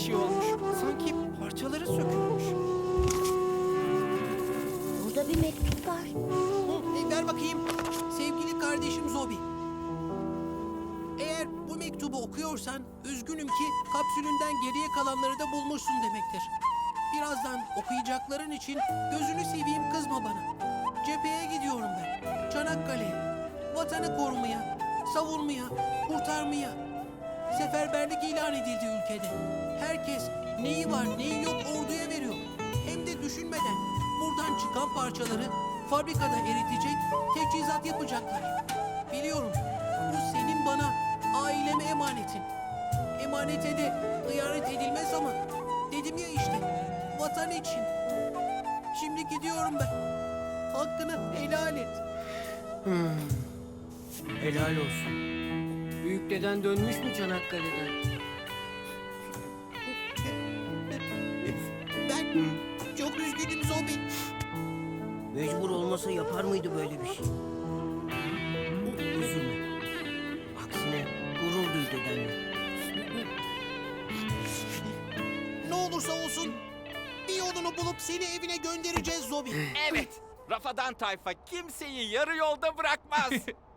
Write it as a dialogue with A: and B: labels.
A: şey olmuş. Sanki parçaları sökülmüş.
B: Burada bir mektup var.
C: Ver bakayım. Sevgili kardeşim Zobi. Eğer bu mektubu okuyorsan üzgünüm ki kapsülünden geriye kalanları da bulmuşsun demektir. Birazdan okuyacakların için gözünü seveyim kızma bana. Cepheye gidiyorum ben. Çanakkale'ye. Vatanı korumaya, savunmaya, kurtarmaya. Seferberlik ilan edildi ülkede. Herkes neyi var neyi yok orduya veriyor. Hem de düşünmeden buradan çıkan parçaları fabrikada eritecek, teçhizat yapacaklar. Biliyorum bu senin bana, aileme emanetin. Emanete de hıyanet edilmez ama dedim ya işte vatan için. Şimdi gidiyorum ben. Hakkını helal et.
D: Helal olsun. Büyük deden dönmüş mü Çanakkale'den?
C: Ben çok üzgünüm Zobi.
D: Mecbur olmasa yapar mıydı böyle bir şey? Üzülme. Aksine gurur duy dedenle.
C: Ne olursa olsun bir yolunu bulup seni evine göndereceğiz Zobi.
A: Evet. Rafadan tayfa kimseyi yarı yolda bırakmaz.